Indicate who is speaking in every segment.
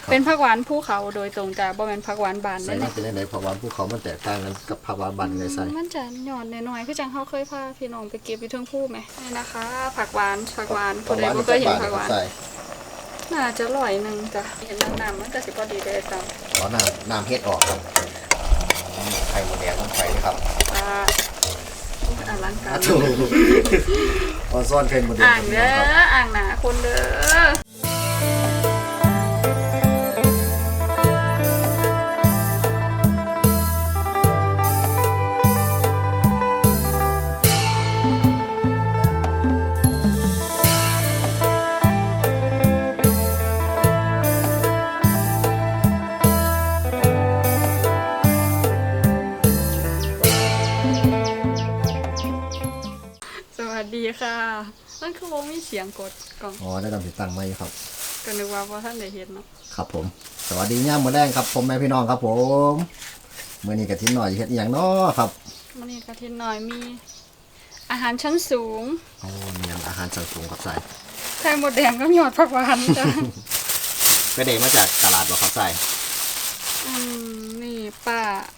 Speaker 1: เป็นผักหวานภูเขาโดยตรงจ้ะบ่แม่นผักหวานบาน
Speaker 2: ใส่
Speaker 1: นั่น
Speaker 2: มา
Speaker 1: แหละ
Speaker 2: เป็นไหนผักหวานภูเขามันแตกต่างกันกับผักหวานบ้านเลยใส่
Speaker 1: มันจะหย่อนน้อยๆคือจังเฮาเคยพาพี่น้องไปเก็บอยู่เทิงภูแหมนี่นะคะ ผักหวานผู้ใดบ่เคยเห็นผักหวาน
Speaker 2: ใส่
Speaker 1: น่าจะ100 นึงจ้ะเห็นน้ำมันก็สิพอดีได้ซ้ำ
Speaker 2: ขอน้ำเฮ็ดออกครับไข่หมดแดงต้องไข่เลยครับ
Speaker 1: อลังการ
Speaker 2: ถูกออนซ่อนไข่หมดแดง
Speaker 1: อ่างเด้ออ่างหนาคนเด้อสวัสดีค่ะมันคือวงมีเสียงกดกล่อง
Speaker 2: อ๋อได้ตามติดตั้งไว้ครับ
Speaker 1: ก็นึกว่าท่านได้เห็นเนาะ
Speaker 2: ครับผมสวัสดีย่ามมื้อแรงครับผมแม่พี่น้องครับผมมื้อนี้กะทิหน่อยเฮ็ดอหย่างน้อครับ
Speaker 1: มันนี่กะทิหน่อยมีอาหารชั้นสูง
Speaker 2: โอ้มีอาหารชั้นสูงครับใส่
Speaker 1: ไข่มดแดงก็หยอดผักหวานจ้ะ
Speaker 2: ไปเด็มาจากตลาดบ่ครับใส่
Speaker 1: นี่ป้า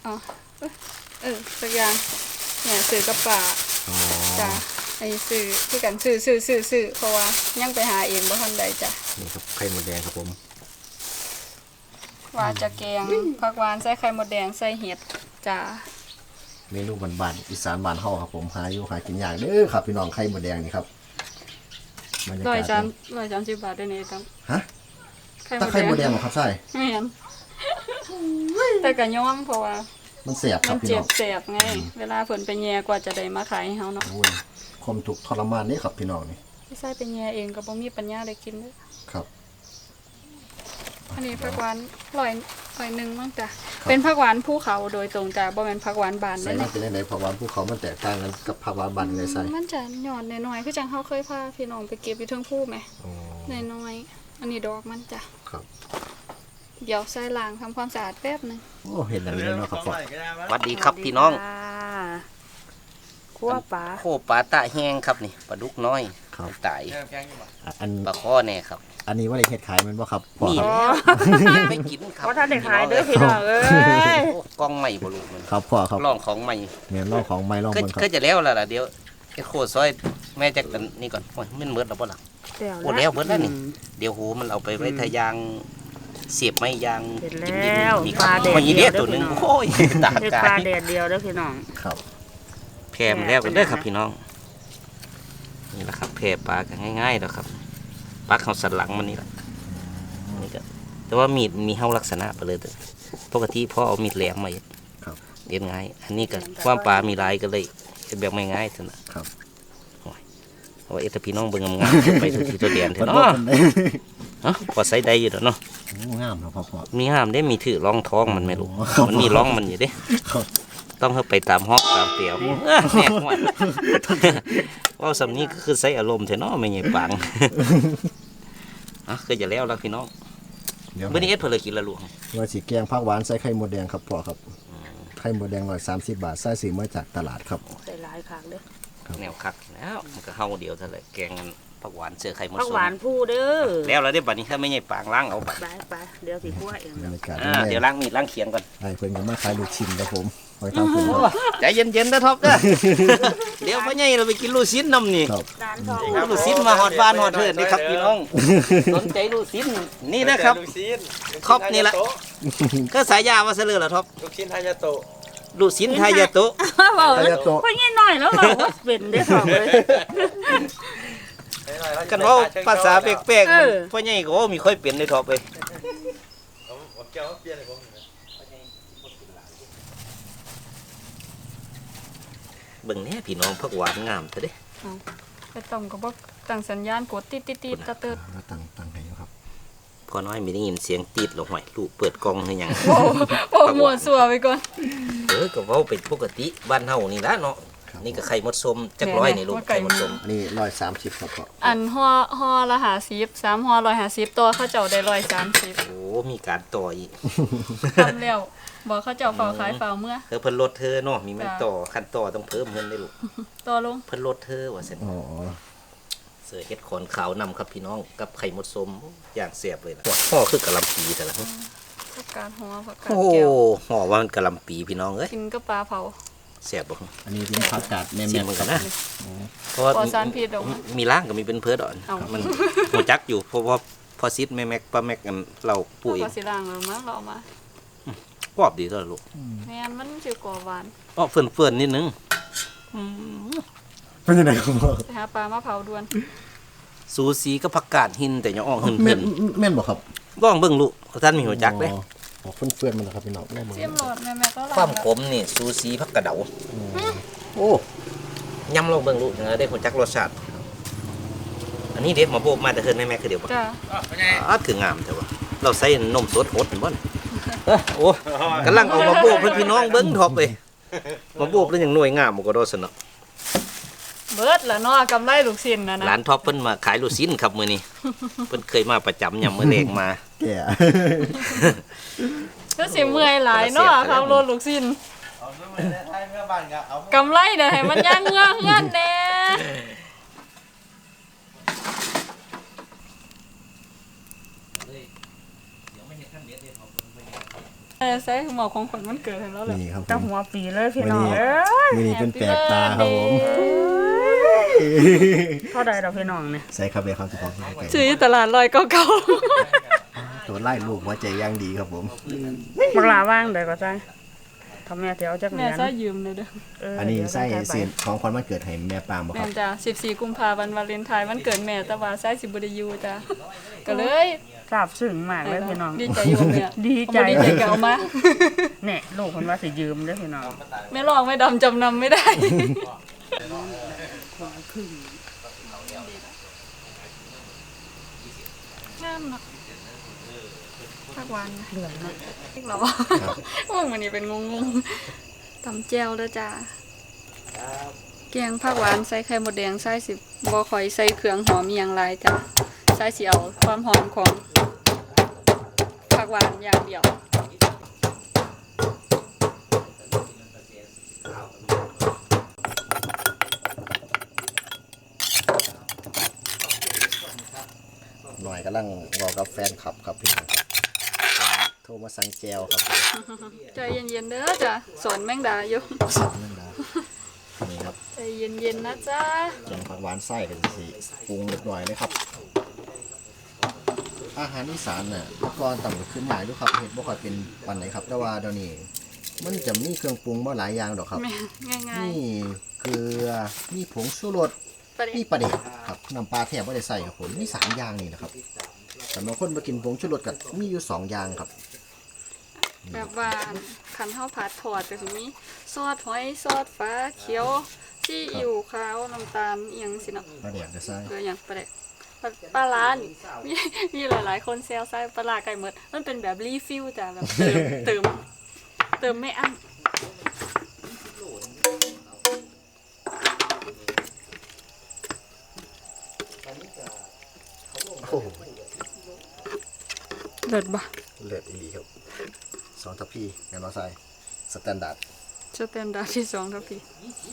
Speaker 1: สักอย่างเนี่ยซื้อกับป้า
Speaker 2: อ๋อ
Speaker 1: จ้ะไอ้ซื้อที่กันซื้อเพราะว่ายังไปหาเองบ่ทันใดจ้ะ
Speaker 2: นี่ครับไข่หมดแดงครับผม
Speaker 1: ว่าจะแกงผักหวานใส่ไข่มดแดงใส่เห็ดจ้ะ
Speaker 2: เมนูบ้านๆอีสานบ้านเฮาครับผมหาอยู่หากินยากเด้อครับพี่น้องไข่หมดแดงนี่ครับบรรยากาศ
Speaker 1: 130 บาทได้นี่ตั้ง
Speaker 2: ฮะตะไคร้หมดแดงบ่ครับใส่
Speaker 1: แม่นแต่ก็ยอมเพราะว่า
Speaker 2: มันเสียบค
Speaker 1: มั
Speaker 2: รับ
Speaker 1: น
Speaker 2: พี่
Speaker 1: เจ็
Speaker 2: น้
Speaker 1: บ
Speaker 2: อง
Speaker 1: แสบไง เวลาเพิ่นไปแย่กว่าจะได้มาขายให้เฮาเนาะ
Speaker 2: โอ้ยความทุกข์ทรมานนี่ครับพี่น้องนี่
Speaker 1: พี่ชายไปแย่เองก็บ่มีปัญญาได้กินเด้อ
Speaker 2: ครับ
Speaker 1: อันนี้ผักหวาน100 นึงมั้งจ้ะเป็นผักหวานภูเขาโดยตรงจ้ะบ่แม่นผักหวานบาน
Speaker 2: ใส่
Speaker 1: นั่นแห
Speaker 2: มา
Speaker 1: ละ
Speaker 2: เป็นไหนผักหวานภูเขามันแตกต่างกันกับผักหวานบ้านเลยใส่
Speaker 1: มันจะหย่อนน้อยๆคือจังเฮาเคยพาพี่น้องไปเก็บอยู่เทิงภูแหม
Speaker 2: อ๋อ
Speaker 1: น้อยๆอันนี้ดอกมันจ้ะ
Speaker 2: ครับ
Speaker 1: เดี๋ยวใส่ล้างทำความสะอาดแป๊บนึง
Speaker 2: โอ้เห็นแล้วเนาะครับพ่อ
Speaker 3: สวัสดีครับพี่น้อง
Speaker 1: คั่วปลา
Speaker 3: โคปลาตะแห้งครับนี่ปลาดุกน้อย
Speaker 2: ครับ
Speaker 3: ตาย
Speaker 2: อัน
Speaker 3: ปลาข้อแน่ครับ
Speaker 2: อันนี้ว่าได้เฮ็ดขายแมันบ่ครับพ่อ
Speaker 3: นี่
Speaker 2: ครับ
Speaker 3: ไม่กินครับ
Speaker 1: ว่าท่านได้ขายเด้อพี่น้องเอ้ย
Speaker 3: โอ้กล้องใหม่บ่ลูกมัน
Speaker 2: ครับพ่อครับ
Speaker 3: ลองของใหม่
Speaker 2: เนี่ยลองของไม้ลอง
Speaker 3: ก็
Speaker 2: เบิ่งครั
Speaker 3: ก็
Speaker 2: บ
Speaker 3: จะแล้วล่ะเดี๋ยวไอ้โคซอยแม่จักกันนี่ก่อนโอ้ยมันเบิดแล้วบ่ล่ะโอ้แล้วเบิดแล้วนี่เดี๋ยวหูมันเอาไปไว้ทะยางเสียบไม้ยาง
Speaker 4: เสร็จ
Speaker 3: จิ้ม
Speaker 4: แล้ว
Speaker 3: ๆนี่ค
Speaker 4: ป
Speaker 3: รั
Speaker 4: ลา
Speaker 3: บ
Speaker 4: แดด
Speaker 3: มันยี
Speaker 4: เดี
Speaker 3: เดี
Speaker 4: ย
Speaker 3: ยว วตัวหนึงโอ้ยตา
Speaker 4: เฮ็ด
Speaker 3: กา
Speaker 4: ปลาย แดดเดียวเด้อพี่น้อง
Speaker 2: ครับ
Speaker 3: แพร่มาแล้วกันเด้อครับพี่น้องนี่แหละครับแพร่ปลากันง่ายๆแล้วครับปลาเขาสันหลังมันนี่แหละนี่ก็แต่ว่ามีดมีเฮาลักษณะไปเลยเด้อปกติพ่อเอามีดแหลมมา
Speaker 2: ครับ
Speaker 3: เรียนง่ายอันนี้ก็ความปลามีลายก็เลยเป็นแบบไม่ง่ายเท่านั้น
Speaker 2: ครับ
Speaker 3: เพราะว่าเอตพี่น้องเบิ่งงามๆไปทุกที่ตัวเดียนเถ
Speaker 2: เพิ่น
Speaker 3: อะ
Speaker 2: บ่
Speaker 3: เนาะ
Speaker 2: เพิ่นได้
Speaker 3: ฮะพอใส่ได้อยู่แล้วเนาะ
Speaker 2: โอ้งามครับพ่อ
Speaker 3: มีห้ามได้มีถือร่องท้องมันไม่รู้
Speaker 2: อ๋อครับ
Speaker 3: มันมีร่องมันอยู่เด้
Speaker 2: ครับ
Speaker 3: ต้องให้ไปตามฮอกตามเปลียวแน่ห่วยว่าสำนี้ก็คือใส่อารมณ์เถอะเนาะไม่ใช่ปังอ่ะก็จะแล้วแล้วพี่น้อง
Speaker 2: เดี๋ยว
Speaker 3: มื้อนี้เอ็ดเพิ่นเลยกินละลวง
Speaker 2: ว่าสิแกงผักหวานใส่ไข่มดแดงครับพ่อครับไข่มดแดง130 บาทใส่ซื้อมาจากตลาดครับ
Speaker 4: ใส่หลายคักเด้อ
Speaker 3: แนวคักแล้วมันก็เฮาเดียวเท่านั้นแหละแกงผักหวานเสือไข่มด
Speaker 4: ผัก
Speaker 3: ส้
Speaker 4: หวาน
Speaker 3: ม
Speaker 4: ผู้เด้อ
Speaker 3: แล้วได้บัดนี้ถ้าไม่ใช่ปางล้างเอาไป
Speaker 4: ไปเดี๋ยวสิคั่วเอง
Speaker 2: บรรยากาศ
Speaker 3: เดี๋ยวล้างมีดล้างเขียงก่อน
Speaker 2: ไอ้เพิ่นก็มาขายลูกชิ้นครับผมไว้ทำเพิ่นครับ
Speaker 3: ใจเย็นๆนะท็อปเด้อ เดี๋ยวพ่อใหญ่เราไปกินลูกชิ้นนำนี่
Speaker 2: ครับ
Speaker 4: ร้านทอง
Speaker 3: ลูกชิ้นมาฮอดบ้านฮอดเทิดนี่ครับพี่น้อง สนใจลูกชิ้นนี่นะครับท็อปนี่แหละก็สายยาว่าซะเลยล่ะท็อป
Speaker 5: ลูกชิ้นฮายาโตะ
Speaker 3: ลูกชิ้นทายาโตะ
Speaker 4: เว้า
Speaker 2: อายาโตะ
Speaker 4: เพิ่นนิดหน่อยแล้วเว้าว่าเป็นเด้อของเลย
Speaker 3: กันเว่าภาษาแปลกๆมันพ่อใหญ่ก็ว่ามีค่อยเปลี่ยนในท็อปเลย
Speaker 5: เอาแก้วมาเปลี่ยนให้ผม
Speaker 3: เบิ่งแน่พี่น้องผักหวานงามซะเด้
Speaker 1: ไปต้มก็บ่ตั้งสัญญาณกดติดตะเติด
Speaker 2: แล้วตั้งให้อยู่ครับ
Speaker 3: พอน้อยมีได้ยินเสียงตีดลงห้อยลูกเปิดกล้องคือหยัง
Speaker 1: โอ้หมวดสัวไปก่อน
Speaker 3: ก็เว้าเป็นปกติบ้านเฮานี่ล่ะเนาะนี่ก็ไข่มดส้มจักร้อยนี่ลูกไข่มดส้ม
Speaker 2: อันนี้130ครับพ่อ
Speaker 1: อันห่อละ50 3ห่อ150ตัวเขาเจ้าได้130
Speaker 3: โอ้มีการต่ออีก
Speaker 1: ทำแล้วบอกเขาเจ้าเฝ้าขายเฝ้าเมื่อ
Speaker 3: เพิ่นลดเธอเนาะมีแม่นต่อคันต่อต้องเพิ่มเงินได้ลูก
Speaker 1: ตัวลง
Speaker 3: เพิ่นลดเธอว่าซั่น
Speaker 2: อ๋อ
Speaker 3: เสือเฮ็ดขอนขาวนำครับพี่น้องกับไข่มดส้มอย่างเสียบเลยล่ะห่อคือกะหล่ำปีแต่ละ
Speaker 1: ผักกาดหัวผักกาด
Speaker 3: โอ้
Speaker 1: แก้ว
Speaker 3: ห่อว่ามันกะหล่ำปีพี่น้องเอ้ย
Speaker 1: กินกับปลาเผา
Speaker 3: เสียบบ่
Speaker 2: อันนี้เป็นผักกาดแม่
Speaker 3: ชิม
Speaker 2: ๆ
Speaker 3: เหมือน
Speaker 2: ค
Speaker 3: กั
Speaker 2: รั
Speaker 3: น
Speaker 2: บ
Speaker 3: นะเพราะว่า
Speaker 1: ปลอดสารพิษดอก
Speaker 3: มีร่างก็มีเป็นเพื่อดอน
Speaker 1: เอ้ามั
Speaker 3: มันหัวจักอยู่เพราะว่าพอซิดแม่แม็กป้าแม็กกันเราปุ๋ย
Speaker 1: ก็สิล้างแล้วมั้งเราเอามา
Speaker 3: กรอบดีตัวลูก
Speaker 1: แม่นมันสิกว่าหวาน
Speaker 3: อ้อเฟื่อนๆนิดนึง
Speaker 2: เป็นยังไงครับพ่อ
Speaker 1: ไปหาปลามาเผาด่วน
Speaker 3: สูสีก็ผักกาดหินแต่ยังอ่องหิน
Speaker 2: แม่
Speaker 3: เพิ่
Speaker 2: น
Speaker 3: น
Speaker 2: แม่นบ่ครับ
Speaker 3: บ้องเบิ่งลูกท่านมีหัวจักเด้
Speaker 2: อ๋อเฟื่อนๆมันนะครับพี่น้องแม่มือ
Speaker 1: เสียมโหลดแม่ก็ล้าง
Speaker 3: ความ
Speaker 1: แล้ว
Speaker 3: ขมนี่สูสีผักกระเดา
Speaker 2: โอ้
Speaker 3: ยำลองเบิ่งลูกได้หัวจักรสชาติอันนี้เด็กมาโบกมาแต่เฮินแม่แม่คือเดียวบ่
Speaker 1: จ้า
Speaker 3: คืองามแต่ว่าเราใส่นมสดหดเห็นบ่โอ้กำลังเอามาโบกเพื่อนพี่น้องเบิ่งทอบเลยมาโบกแล้วยังหน่วยงามบ่ก็โดสนอ
Speaker 1: เบิดละเนาะกำไรลูกชิ้นนะนะ
Speaker 3: ร้านท็อปเพิ่นมาขายลูกชิ้นครับมื้อนี้ เพิ่นเคยมาประจำยามมื้อแรงมา
Speaker 2: แก่
Speaker 1: ก็สิเมื่อยหลายเนาะขับรถลูกชิ้น
Speaker 5: เอาเมื่อไทยเมื่อบ้านก็เอา
Speaker 1: กำไรเด้อให้มันย่างเงือกเงื่อนแน่ใส่หมอกของขวัญมันเกิดให้แล้วแหละ
Speaker 2: นี่ครับผ
Speaker 4: ตั้ง
Speaker 2: ม
Speaker 4: หัวปีเลยพี่น้อง
Speaker 2: วันนี้
Speaker 4: เอ้ย
Speaker 2: มือนี้เป็นแปลกตาครับผม
Speaker 4: เท่าใดดอกพี่น้องเนี่ย
Speaker 2: ใส่คาเฟ่ครับทุกคนใกล้
Speaker 1: ซื้อตลาดลอยเก่า
Speaker 2: ๆตัวไล่ลูกหัวใจย่างดีครับผม
Speaker 4: บักหลาว่างเดี๋ยวก็ใจทำแม่เดี๋ยวจัก
Speaker 1: ๆ
Speaker 4: เห
Speaker 1: แม่
Speaker 4: รียญ
Speaker 1: ซะยืมเลยเด้อ
Speaker 2: อันนี้
Speaker 4: เดี๋ยว
Speaker 2: ใส่
Speaker 4: จะไป
Speaker 2: เสียนของขวัญวันเกิดให้แม่ปามบ่ค
Speaker 1: แม่
Speaker 2: รับ
Speaker 1: จ้ะ14กุมภาพันธ์วาเลนไทน์วันเกิดแม่แต่ว่าใส่สิบ่ได้อยู่จ้ะก็เลย
Speaker 4: ทราบซึ้งมากเลยพี่น้อง
Speaker 1: ดีใจอยู่แม่
Speaker 4: ดีใจ
Speaker 1: เอามาดีใจก็เอามา
Speaker 4: เนี่ยลูกคนว่าสิยืมเด้อพี่น้อง
Speaker 1: ไม่ลองไม่ดำจำนำไม่ได้งามเนาะภาควันนะ
Speaker 4: เหลืองเนาะ
Speaker 1: อีกเหรอว่ามันนี่เป็นงงๆตำแจวแล้วจ้าแกงผักหวานใส่ไข่มดแดงใส่สิบ่ค่อยใส่เครื่องหอมอหย่างไรจ้ะใส่สิเอาความหอมของผักหวานอย่างเดียว
Speaker 2: หน่อยกำลังรอกับแฟนคลับครับพี่น้องครับโทรมาสั่งแจวครับผม
Speaker 1: ใจเย็นๆเด้อจ้ะสอนแมงดาอยู่
Speaker 2: นั่นนะนี่ครับ
Speaker 1: ใจเย็นๆนะจ้า
Speaker 2: แกงผักหวานไส้กันสิปรุงเรียบร้อยเลยครับ อาหารอีสานน่ะเมื่อก่อนต่ำขึ้นหลายด้วยครับเห็ดบ่ค่อยเป็นปันไหนครับ แต่ว่าเดี๋ยวนี้มันจะมีเครื่องปรุงมาหลายอย่างดอกครับ
Speaker 1: แม่ง่าย
Speaker 2: นี่เกลือมีผงชูรส
Speaker 1: ๆประเด็
Speaker 2: มี
Speaker 1: น
Speaker 2: ปลาเด็กครับน้ำปลาแทบไม่ได้ใส่ครับผมมี3อย่างนี่นะครับแต่บางคนมากินผงชูรสกับมีอยู่2อย่างครับ
Speaker 1: แบบว่าขันเฮาผัดถอดก็สิมีซอสหอยซอสฟ้าเขียวซีอิ๊วขาวน้ำตาลอีหยังสิเนาะ
Speaker 2: ปลาเด็กจะใส่
Speaker 1: เกลืออย่างประเด็กปลาร้านี่มีหลายๆคนแซวใส่ปลาร้าไก่หมดมันเป็นแบบรีฟิลจ้ะแบบเติมไม่อั้น
Speaker 2: โอ้โห
Speaker 1: เลิศบ่
Speaker 2: เลือดอีหลีครับ2ทัพพีแอนนอใส่สแตนดาร์ด
Speaker 1: สแตนดาร์ดที่2ทัพพี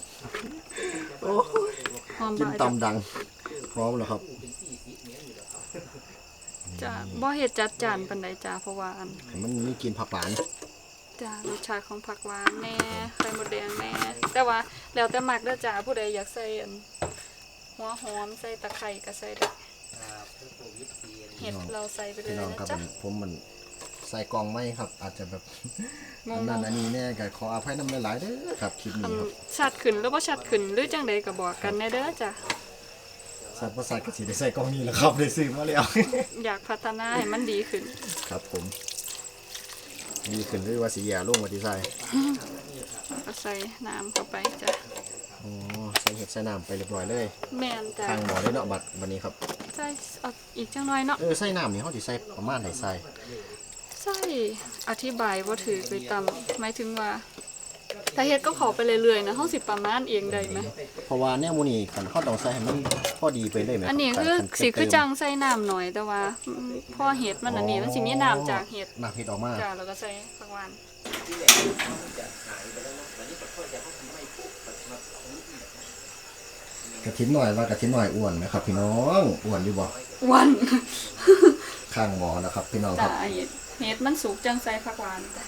Speaker 1: หอม
Speaker 2: กิน
Speaker 1: บาย
Speaker 2: ตำดังพร้อมแล้วครับ
Speaker 1: จ้ะบ่เฮ็ดจัดจานปานใดจ้ะเพราะว่าอัน
Speaker 2: มันมีกลินผักหวาน
Speaker 1: จ้ารสชาติของผักหวานแน่ไข่มดแดงแน่แต่ว่าแล้วแต่มักเด้อจ้าผู้ใดอยากใส่อันหัวหอมใส่ตะไคร้ก็ใส่ได้เห็ดเราใส่ไปเล
Speaker 2: พี่
Speaker 1: ย
Speaker 2: น้อง
Speaker 1: นะครับ จ๊ะ
Speaker 2: ผมมันใส่กล่องไม่ครับ อาจจะแบบ
Speaker 1: ง
Speaker 2: อัน
Speaker 1: ง
Speaker 2: นั้นอันนี้แน่ก็ขออภัยน้ำหลายๆเด้อครับคลิป
Speaker 1: ๆอั
Speaker 2: นี้
Speaker 1: น
Speaker 2: ครับ
Speaker 1: ชัดขึ้นหรือบ่ชัดขึ้นหรือจังใดก็บอกกันแน่เด้อจ้ะ
Speaker 2: สัตว์ประสาทกสิได้ใส่กล่องนี้แหล้วครับได้ซื้อมาแล้ว
Speaker 1: อยากพัฒนาให้มันดีขึ้น
Speaker 2: ครับผมดีขึ้นหรือว่าสีแย่ลงมาที่ใส่
Speaker 1: ก็ใส่น้ำเข้าไปจ้ะ
Speaker 2: อ๋อใส่เห็ดใส่น้ำไปเรียบร้อยเลย
Speaker 1: แม่นจ้ะ
Speaker 2: ทางหมอเลยเนาะบัดนี้ครับ
Speaker 1: ใส่เอาอีกจังหน่อยเนาะ
Speaker 2: ใส่น้ำนี่เขาสิใส่ประมาณไหนใส่
Speaker 1: ใส่อธิบายบ่ถือไปตามหมายถึงว่าถ้าเฮ็ดก็ขอไปเรื่อยๆนะเฮาสิประมาณเองได้ไหม
Speaker 2: เพราะว่าแนวหมูนี่คันเขาต้องใส่ให้มันพอดีไปเลยไหม
Speaker 1: อันนี้คือสีคือจังใส่น้ำหน่อยแต่ว่าพอเห็ดมันอันนี้มันสิมีน้ำจากเห็ด
Speaker 2: น้ำเห็ดออกมา
Speaker 1: จ้าแล้วก็ใส่ผักหวาน
Speaker 2: กระถินหน่อยว่ากระถินหน่อยอ้วนไหมครับพี่น้องอ้วนอยู่บ่
Speaker 1: วัน
Speaker 2: ข้างหมอนะครับพี่น้องค
Speaker 1: จ้า
Speaker 2: รับ
Speaker 1: เห็ดมันสุกจังใส่ผักหวานจ้ะ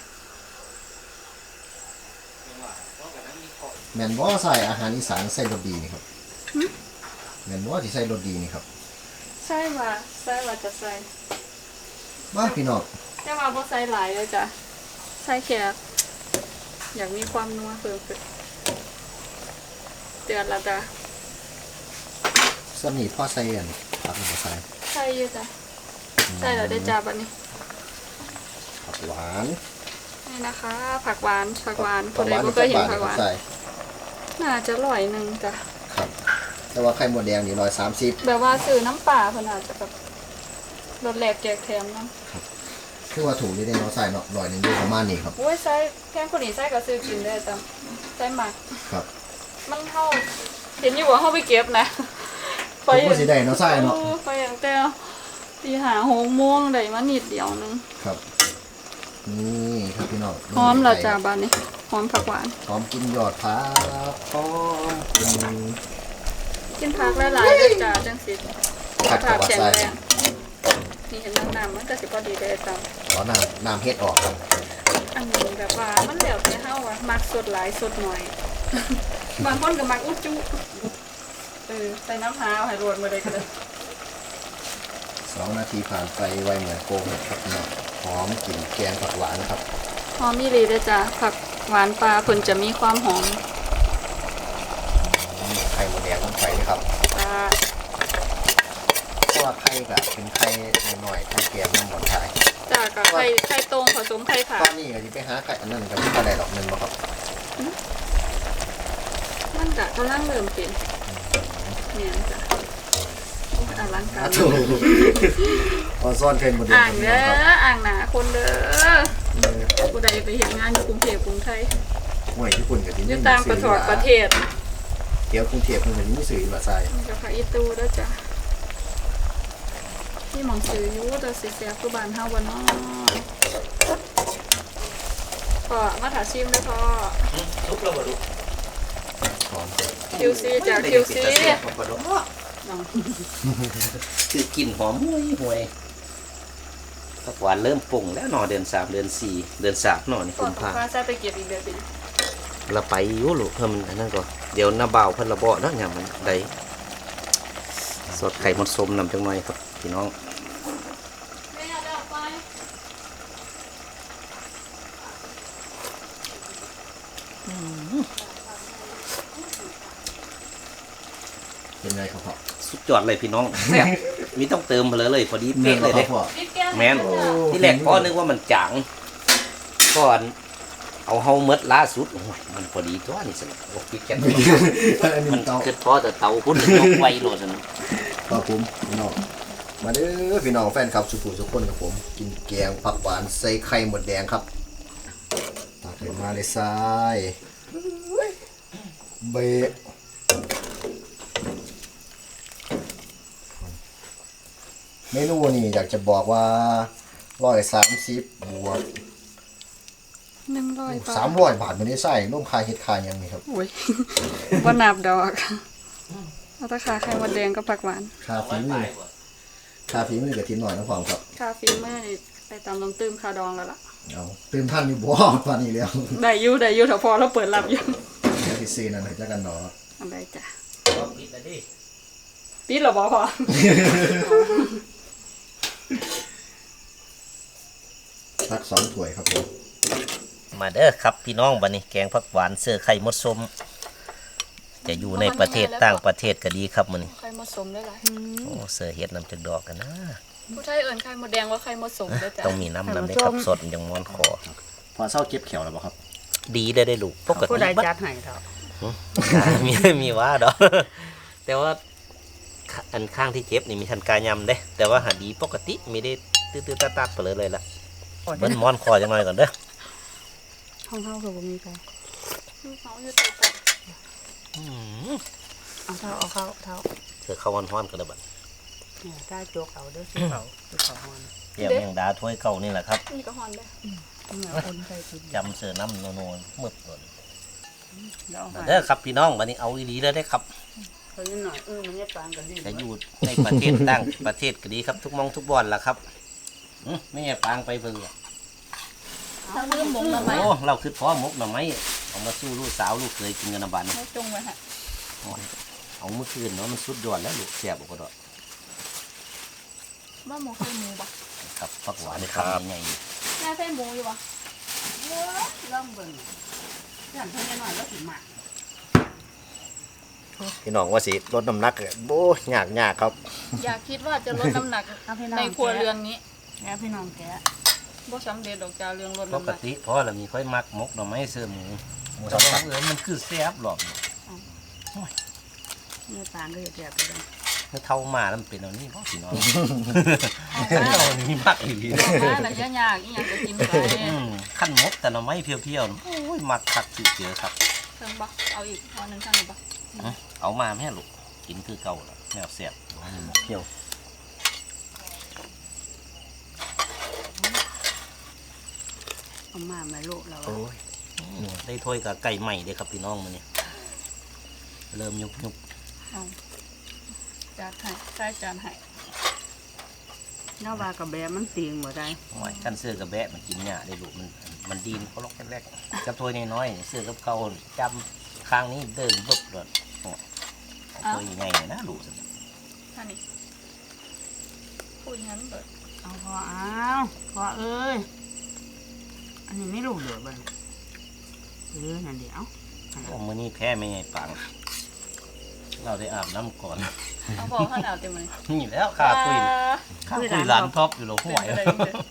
Speaker 2: แม่นบ่ใส่อาหารอีสานใส่รสดีนี่ครับแม่นบ่ที่ใส่รสดีนี่ครับ
Speaker 1: ใส่ว่าจะใส่
Speaker 2: มาพี่น้อง
Speaker 1: แต่ว่าบ่ใส่หลายเลยจ้ะใส่แค่อยากมีความนัวเพิ่มขึ้นเดือดละจ้ะ
Speaker 2: สนิทพ่อใส่อันผักบ่ใส่
Speaker 1: ใส่อยู่จ้ะใส่แล้วได้จ้าบัดนี้
Speaker 2: ผักหวาน
Speaker 1: นี่นะคะผักหวานค
Speaker 2: ผั
Speaker 1: น
Speaker 2: ก
Speaker 1: ใด
Speaker 2: หวาน
Speaker 1: บ่เคยเห็น
Speaker 2: ผั
Speaker 1: ผักหวาน
Speaker 2: ใส่
Speaker 1: น่าจะ100จ้ะ
Speaker 2: ครับแต่ว่าไข่มดแดงนี่130
Speaker 1: แบบว่าซื้อน้ำปลาเพิ่นอาจจะแบบรสแหลกแจกแถมเนาะ
Speaker 2: คือว่าถูกนี่ได้เนาะใส่เนาะ100นึงอยู่ประมาณนี้ครับ
Speaker 1: โอ้ยใส่แพงคนนี้ใส่ก็ซื้อกินได้จ้ะใส่หมัก
Speaker 2: ครับ
Speaker 1: มันเฮาเห็นอยู่ว่าเฮาไปเก็บนะ
Speaker 2: ผมก็สิได้เนาะใส่เนาะ
Speaker 1: ไปอย่างแต่ตีหา6 โมงได้มานิดเดียวนึง
Speaker 2: ครับนี่ครับพี่น้อง
Speaker 1: หอมแล้วจ้าบาดนี้หอมผักหวาน
Speaker 2: หอมกินยอดผักหอมกิน
Speaker 1: กินผักหลายๆเลยจ้าจังสิ
Speaker 2: ผักกับว่า
Speaker 1: แข็ง
Speaker 2: ใส่
Speaker 1: แรงนี่เห็นน้ำมันก็สิพอดีเลยจ้า
Speaker 2: ขอน้ำเฮ็ดออกครับ
Speaker 1: อันนี้แบบว่ามันแล้วแต่เฮาอะมักสดหลายสดหน่อย บางคนก็มักอุจจุใส่น้ำหาวให้รวนมาเลยก็ได้
Speaker 2: 2 นาทีผ่านไปไวเหมือนโกงครับพี่น้องหอมกลิ่นแกงผักหวานครับ
Speaker 1: หอมอีหลีเด้อจ้าผักหวานปลาเพิ่นจะมีความหอม
Speaker 2: ไข่มดแดงลงไปนะครับ
Speaker 1: จ้า
Speaker 2: เพราะว่าไข่ก็เป็นไข่หน่อยๆไข่แกงน้ำหมดไทย
Speaker 1: จ้าก็ไข่ตรงผสมไข่ผั
Speaker 2: ต
Speaker 1: ก
Speaker 2: อนนี้ก็สิไปหาไข่อันนั้นก็ไม่ได้ดอกนึงบ่ครับ
Speaker 1: มันก็กำลังเริ่มเป็นเนี่ยจ้ะโอ้ยอลังการ
Speaker 2: ถูกพอซ่อนไข่มดแดง
Speaker 1: อ่าง
Speaker 2: พี่
Speaker 1: เด้
Speaker 2: น้อง
Speaker 1: อ
Speaker 2: ครับ
Speaker 1: อ่างหนาคนเด้อผู้ใดไปเห็นงานอยู่กรุงเทพกรุงไทย
Speaker 2: ห่วยญี่ปุ่นก็สิ
Speaker 1: อยู่ต่างประเทศ
Speaker 2: เดี๋ยวกรุงเทพเพิ่นก็สิมีสื่อว่าใส่
Speaker 1: มันกับผักอีตูเด้อจ้ะที่หมองซื้ออยู่แต่สิแซ่บคือบ้านเฮาบ่เนาะพ่อมาถาชิมเด้อพ่อ
Speaker 3: ลุกแล้วบ่ลุก
Speaker 2: หอม
Speaker 1: QC จ้ะ QC
Speaker 3: คือกลิ่นหอมห่วยผักหวานเริ่มปรุงแล้วเนอเดือน3เดือน4เดือน3เนอนี่
Speaker 1: ก่อ
Speaker 3: คุ
Speaker 1: น
Speaker 3: ณ
Speaker 1: พ่อ
Speaker 3: พา
Speaker 1: ใส่ไปเก็บอีกเดือนเป็น
Speaker 3: เราไปอยู่ลูกเพิ่มอันนั้นก่อนเดี๋ยวน้าเบาเพิ่นระเบาะเนาะอย่างมันได้สดไข่มดส้มนำจังหน่อยครับพี่น้อง
Speaker 1: ไม่เอาแล้วไป
Speaker 2: เป็นไงครับพ่อ
Speaker 3: สุดยอดเลยพี่น้องแซ่บมีต้องเติมไปเลยพอดี
Speaker 2: แม่
Speaker 3: เป๊ะ
Speaker 2: น
Speaker 3: เลย
Speaker 2: บ่
Speaker 3: เด้
Speaker 2: พ่อ
Speaker 1: บิ๊กแก้ว
Speaker 3: แม่นที่แรกพ่อนึกว่ามันจางก่อนเอาเฮาเมดล่าสุดโอ้ยมันพอดีตัวนี่สิโอ้ยแกน
Speaker 2: อันนี้
Speaker 3: มัน
Speaker 2: เตา
Speaker 3: คือพอแต่เตาพุ่นยกไวโลดนั่น
Speaker 2: ครับผมพี่น้องมาเด้อพี่น้องแฟนคลับสุขุมทุกคนครับผมกินแกงผักหวานใส่ไข่หมดแดงครับตักขึ้นมาเลยทรายเบะเมนูนี่อยากจะบอกว่า130บวก
Speaker 1: 100 บาท
Speaker 2: 300 บาทไม่ได้ใส่ร่วมค่าเฮ็ดค่าหยังนี่ครับ
Speaker 1: โอ้ย ว่านับดอกเอาแตะขาไข่มดแดงกับผักหวาน
Speaker 2: ค่าฝีมือกับทีมหน่อยน้องความครับ
Speaker 1: คาฟีเมื่อนี่ไปตามลงตื้มคาดองแล้วล่ะ
Speaker 2: เอาตื่นท่านอยู่บ่ตอนนี้แล้ว
Speaker 1: ได้อยู่ถ้าพอเราเปิดรับอยู่
Speaker 2: เดี๋ยวสิซื้อนั่นให้จักกันเนาะ
Speaker 1: อันใดจ้ะปิดเหรอบ่พอ
Speaker 2: สัก2ถ้วยครับผม
Speaker 3: มาเด้อครับพี่น้องบัดนี้แกงผักหวานเสื้อไข่มดส้มจะอยู่ในประเทศต่างประเทศก็ดีครับมื้อนี้
Speaker 1: ไข่มดสมได้หลาย
Speaker 3: โอ้เสื้อเฮ็ดน้ำจักดอกกันนะ
Speaker 1: ผู้ไทยเอิ้นไข่มดแดงว่าไข่มดสมเด้อจ้ะ
Speaker 3: ต้องมีน้ำได้ครับสดมันจังม้อนคอ
Speaker 2: พอเศร้าเก็บแขวแล้วบ่ครับ
Speaker 3: ดีได้ลูกปก
Speaker 4: ผู้
Speaker 3: ติ
Speaker 4: ใด
Speaker 3: บัด
Speaker 4: จัดให้เถอะ
Speaker 3: มีว่าดอก แต่ว่าอันข้างที่เจ็บนี่มีทันกายำเด้ แต่ว่าหาดีปกติไม่ได้ตื้อๆตัดๆไปเลยล่ะเบิ้นม้อนคอจังหน่อยก่อนเด้อ
Speaker 4: ห้องเฮาคือบ่มีใคร
Speaker 1: เขาอยู่ใต้โต๊ะ
Speaker 4: เอาเท่า
Speaker 3: เธอเข้าฮ้อนๆกันเลยบัด
Speaker 4: เนี่ยถ้าจกเอาเด้อสิเขาสิเขาฮอน
Speaker 3: เดี๋ยวแมงดาถ้วยเก่านี่แหละครับ
Speaker 1: นี่ก็ฮอนเด้อ
Speaker 4: เนี่ยคนใส่กิน
Speaker 3: จำเสือน้ำโนๆมืดเลย
Speaker 4: แล้วเอาให้
Speaker 3: เด้อครับพี่น้องวันนี้เอาอีหลีเลยได้อครับ
Speaker 4: เขานิดหน่อยมันจะปานกันดี
Speaker 3: จะอยู่ในประเทศต่างประเทศก็ดีครับทุกมองทุกบอนล่ะครับไม่ใช่ปางไปเบิ่งอะ
Speaker 1: ถ้าลืมหมงละไหม
Speaker 3: โอ้เราคือพ่อมกหน่อไม้เอามาสู้ลูกสาวลูกเคยกินกันนะบัน
Speaker 1: ไม่จงไว้ฮะ
Speaker 3: เอาเมื่อคืนเนาะมันสุดยอดแล้วลูกแซ่บก็ดอก
Speaker 1: ว่าหมูใส่หมูปะ
Speaker 3: ครับผักหวานคำใหญ่
Speaker 1: แม่ใส่หมูอยู่ปะ
Speaker 4: ล่องเบิ่งฉันเพิ่งจะหน่อยแล้วถึงหมาก
Speaker 2: พี่น้องว่าสิลดน้ำหนักโบ้ยากครับ
Speaker 1: อยากคิดว่าจะลดน้ำหนัก
Speaker 4: เอาพี่น้อง
Speaker 1: ในครัวเรือนนี้
Speaker 4: แกพี่น้องแกะ
Speaker 1: บ่สำเร็จดอกจ้าเรื่องลด
Speaker 3: ป
Speaker 1: น้ำห
Speaker 3: ก
Speaker 1: นัก
Speaker 3: ติพ่อเรามีค่อยมักมกหน่อไม้เสื้อหมู
Speaker 2: หมู
Speaker 3: แต่
Speaker 2: สับ
Speaker 3: ว่ามันคือแซ่บหรอก
Speaker 4: เนี่ยปานก็จะแกะไปเลย
Speaker 3: เมื่อเท่ามาแล้วมันเป็นเอานี่พ่อพี่น้องเรานี่มักอีหลี
Speaker 1: มาแล้วยากอีหยังก็กินไป
Speaker 3: ขั้นมกแต่หน่อไม้เพียวๆโอ้ยมักคักเจือครับ
Speaker 1: เพิ่งบ่เอาอีกเอาหนึงข้างนี้บ่
Speaker 3: เอามาแม่ลูกกินคือเก่าแล้วแนวแซ่บ
Speaker 2: หมกเที่ยว
Speaker 4: เอามาแม่ลูกเรา
Speaker 2: โอ้ย
Speaker 3: ได้ถ้วยกับไก่ใหม่เลยครับพี่น้องมันนี่เริ่มยุบ
Speaker 1: เอาจานให้ใส่จานให้
Speaker 4: เนาว่ากับแบมันเตียงบ่ได้
Speaker 3: หอยกันเสื้อกับแบะมันกินเนี่ยได้ลูกมันดีนเขาล็อกแรกๆกับถ้วยน้อยๆเสื้อกับเขาจำข้างนี้เดินเบิบเลยถ้วยใหญ่นะลูก
Speaker 1: ท่านี้พูดงั้นเบิด
Speaker 4: เอาพอเอ้ยอันนี้ไม่ลูกเหลือบ่นั่นเดี๋ยว
Speaker 3: โอ้มื้อนี้แพ้ไม่ไงปังเราได้อาบน้ำก่อน
Speaker 1: เอาพอข้าวหนาวเต็มเลย
Speaker 3: นี่แล้วข้าคุยหลานท็อปอยู่หรอห่วย
Speaker 1: เป็นไปได้จังเด้อ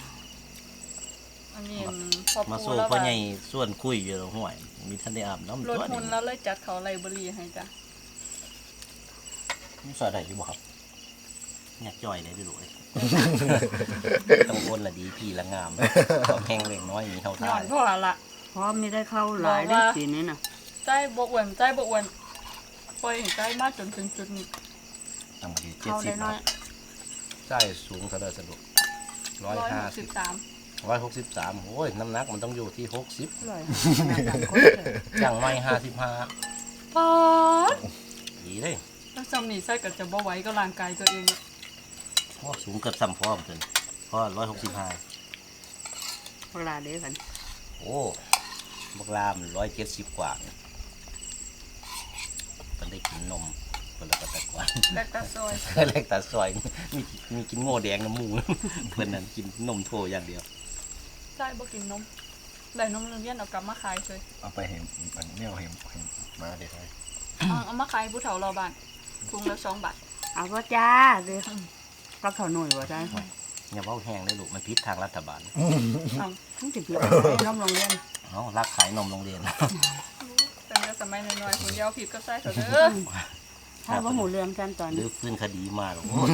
Speaker 1: อันนี้พอ
Speaker 3: มา
Speaker 1: ปู
Speaker 3: สู้
Speaker 1: แล้ว
Speaker 3: พ่อ
Speaker 1: ว่า
Speaker 3: ใหญ่ส่วนคุยอยู่หรอห่วยมีท่านได้อาบน้ำ
Speaker 1: ลด
Speaker 3: ตัว
Speaker 1: หุ่นแล้วเลยจัดเขาไลบรารีให้จ้ะ
Speaker 3: นี่สอดได้อยู่บ่ครับอยากจ่อยเลยพี่ลูกต้องคนละดีพี่ละงามความแห้งเล็กน้อยมีเท่า
Speaker 1: ย้
Speaker 3: ท่า
Speaker 1: อนพ่อละ
Speaker 4: พร้อมไม่ได้เข้าหลายได้ปีนี้น่ะ
Speaker 1: ใจบกวนปล่อยให้ใจมากจนถึงจุดนี้
Speaker 3: ตั้งมาที่70
Speaker 4: เข้าได้น้อย
Speaker 3: ใช่สูงเท่าไรสะดวก
Speaker 1: 163
Speaker 3: 163โอ้ยน้ำหนักมันต้องอยู่ที่60
Speaker 4: เลย
Speaker 3: อย่างไม่55
Speaker 1: ป๊าด
Speaker 3: ดีเลย
Speaker 1: แล้วจำนี่ใส่กับจะบ่ไหว้ก็ร่างกายตัวเองอะ
Speaker 3: โอ้สูงเกือบซ้ำพ่อมเกินพ่อ165
Speaker 4: เวลาเด้กัน
Speaker 3: โอ้บักลาม170 กว่ามันได้กินนมคนละกระตะกวาน
Speaker 1: แลกตาซอย
Speaker 3: เล็กตาซอยมีกินโง่แดงน้ำมูเพื่อนนั้นกินนมโถอย่างเดียว
Speaker 1: ใจบ่กินนมได้นมโรงเรียนเอากลับมาขายเลย
Speaker 2: เอาไปเห็นอันนี้เอาเห็นมาเด็ดเลย
Speaker 1: เอามาขายผู้เฒ่ารอบ้านถุงละ2 บาท
Speaker 4: เอาก็จ้าเด้ก็เขาหน่วยว่าได้
Speaker 3: อย่าเว้าแห้งเลยลูกมันพิษทางรัฐบาล
Speaker 1: เอา
Speaker 4: ต้องจิบน้ำโรงเรียน
Speaker 3: เอารักขายนมโรงเรียน
Speaker 1: แต่เมื่อสมัยน้อยๆคุณยาวผิดก็ใส่เถอะเด้อ
Speaker 4: ถ้าว่าหูเรื่องกันตอน
Speaker 3: หรื
Speaker 4: นี้
Speaker 3: อฟื้นคดีมาหรอกโอ้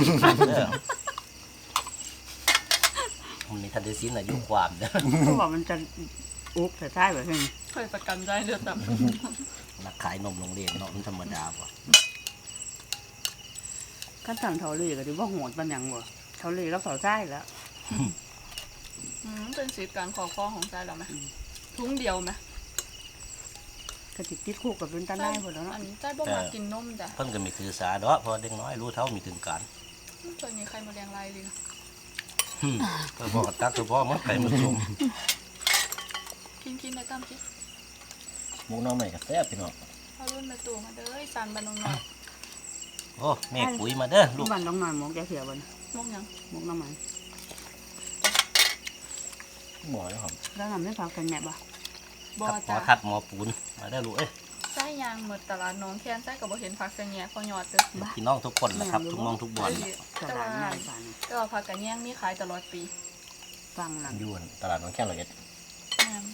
Speaker 3: มันมีทันเดซินอายุความเด้อ
Speaker 4: เขาบอกมันจะอุกแต่ใช่แบบนี้
Speaker 1: เคยประกันใจเด้อตับ
Speaker 3: รักขายนมโรงเรียนเนาะมันธรรมดาป่ะ
Speaker 4: ขั้นสั่งเท่าเลยก็ถือว่าโหดปันยังบ่เท่าเลยแล้วเท่าใช่แล้ว
Speaker 1: เป็นสิทธิ์การขอฟ้องของใจเราไหมถุงเดียวไหม
Speaker 4: กระติกติดคุกกับเป็นตาได้หมดแล้วเนาะ
Speaker 1: อันนี้ใจบ่มากินนมจ้ะ
Speaker 3: เพิ่นก็มีถือสาดอกเพอเด็กน้อยรู้เท่ามีถึงการ
Speaker 1: เคยมีใครมาเลี้ยงลายเลยนะ
Speaker 3: ก็บอกตักคือพ่อมันไก่มันชม
Speaker 1: กินในตั้มกิน
Speaker 2: หมูน้องใหม่กับแซ่บพี่น้อง
Speaker 1: เอารุ่นมาตู่มาเด้อสันบันนงหน่อย
Speaker 3: โอ้แม่ปุ๋ยมาเด้อลู
Speaker 4: ลู
Speaker 3: ก
Speaker 4: กบ้านน้องหน่อยหมกแกเสียบัน
Speaker 1: มกยัง
Speaker 4: หมกน้ำมัน
Speaker 2: หมอแล้วครับ
Speaker 4: แล้วนำไม่ฟังกันแม่บ่
Speaker 1: บ่
Speaker 3: หมอ
Speaker 1: จ้ะ
Speaker 3: ทัดหมอปูนมาเด้อลูกเอ้ย
Speaker 1: ไส้ยางหมดตลาดน้องแค้นไส้กับบ่เห็นผักกระแยงพอยอดเด้อ
Speaker 3: พี่น้องทุกคนนะครับทุกมองทุกบอล
Speaker 4: ตลาดน้อยบ้าน
Speaker 1: ก็ผักกระแยงมีขายตลอดปี
Speaker 4: ฟังหลัง
Speaker 2: ยวนตลาดน้องแค่100
Speaker 1: แม่น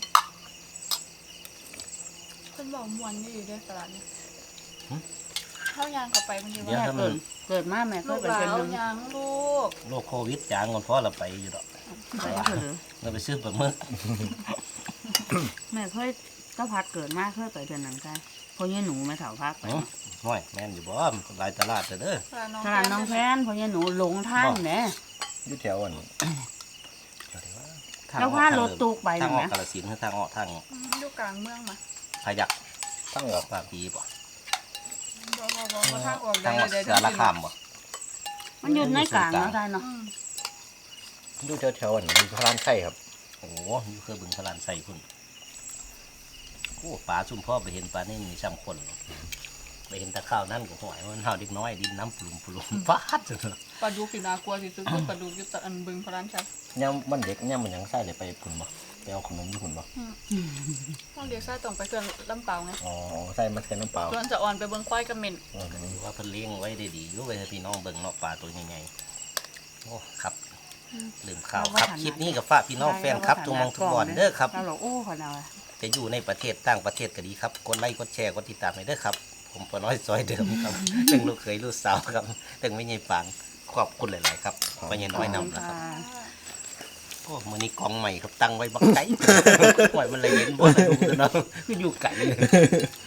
Speaker 1: เพิ่นบอกม่วนนี่อยู่เด้อตลาดนี้เข้ายางเข้าไปมันสิ
Speaker 4: แม่
Speaker 1: ว่า
Speaker 4: เกิดมาแม่เค
Speaker 1: ลู
Speaker 4: ย
Speaker 1: ก
Speaker 4: ไป
Speaker 1: หลา
Speaker 4: เป็น
Speaker 1: เอา
Speaker 4: นึง
Speaker 1: ยางลูก
Speaker 3: โรคโควิดจางก่อนเพราะเราไปอยู่ดอก
Speaker 4: ไปเถอะ
Speaker 3: เราไปซื้อปลาหมึก
Speaker 4: แม่เคยก็พัดเกิดมาเคยไปเป็นนังกันพอยี่หนูไม่เถาพักไป
Speaker 3: ห้อยแม่นอยู่บ่หลายตลาดเด้อ
Speaker 4: ตลาดน้องแพนพอยี่หนูหลงทางแหน่
Speaker 2: อยู่แถวอันแถวที่ว่า
Speaker 4: แล้วพารถตุกไป
Speaker 3: ทาง
Speaker 4: นะ
Speaker 3: อ
Speaker 4: แห
Speaker 3: อก
Speaker 4: ม
Speaker 3: กาฬสินธุ์ทางออกทาง
Speaker 1: อยู่กลางเมืองมา
Speaker 3: พยัก
Speaker 2: ตั้งออก
Speaker 3: ปากปีป่ะ
Speaker 1: บบ่ทางออก
Speaker 3: ทาง
Speaker 1: ได้
Speaker 3: เสือละคามบ่
Speaker 4: มันอยู่ในกลางเนาะได้เนาะ
Speaker 2: ดูแถวๆอันนี้พระรานไข่ครับ
Speaker 3: โอ้โหอยู่เคยบึงพลานใส่พุ่นโอ้ปลาซุ่มพ่อไปเห็นปลานี่มีซ้ำคนไปเห็นตะข้าวนั่นก็หอยมันเฮาเด็กน้อยดินน้ำปลุ่มฟาดจังเลย
Speaker 1: ปลาดุกที่น่ากลัวที่สุดคือปลาดุกอยู่ตะอันบึงพระรานชัย
Speaker 2: ย่ำมันเด็กย่ำมันยังไส้เลยไปพุ่นบ่ไปเอาขนมญี่ปุ่นบ่
Speaker 1: ต้องเรียกซ่าต้องไปเครื่องลำเปล่าไง
Speaker 2: อ๋อไส้มันเป็นน้ำเปล่า
Speaker 1: ส่วนจะอ่อนไปเบิ่งควายกับเหม็น
Speaker 3: ถือว่าเพิ่นเลี้ยงไว้ได้ดีอยู่ไว้ให้พี่น้องเบิ่งเนาะปลาตัวใหญ่ๆโอ้ครับลืมข่าวครับคลิปนี้กับฝากพี่น้องแฟนครับทุกมองทุกบอนเด้อครับ
Speaker 4: เราโอ้ขนาด
Speaker 3: จะอยู่ในประเทศต่างประเทศก็ดีครับกดไลค์กดแชร์กดติดตามให้เด้อครับ ผมปอน้อยซอยเดิมครับ ตึงลูกเขยลูกสาวครับตึงไม่ใหญ่ปางขอบคุณหลายๆครับไม่ใหญ่น้อยนำนะครับโอ้มื้อนี้กองใหม่ครับตั้งไว้บักไก่ ปล่อยมันเลยเห็นบ่ดูเนาะคืออยู่ไก่เลย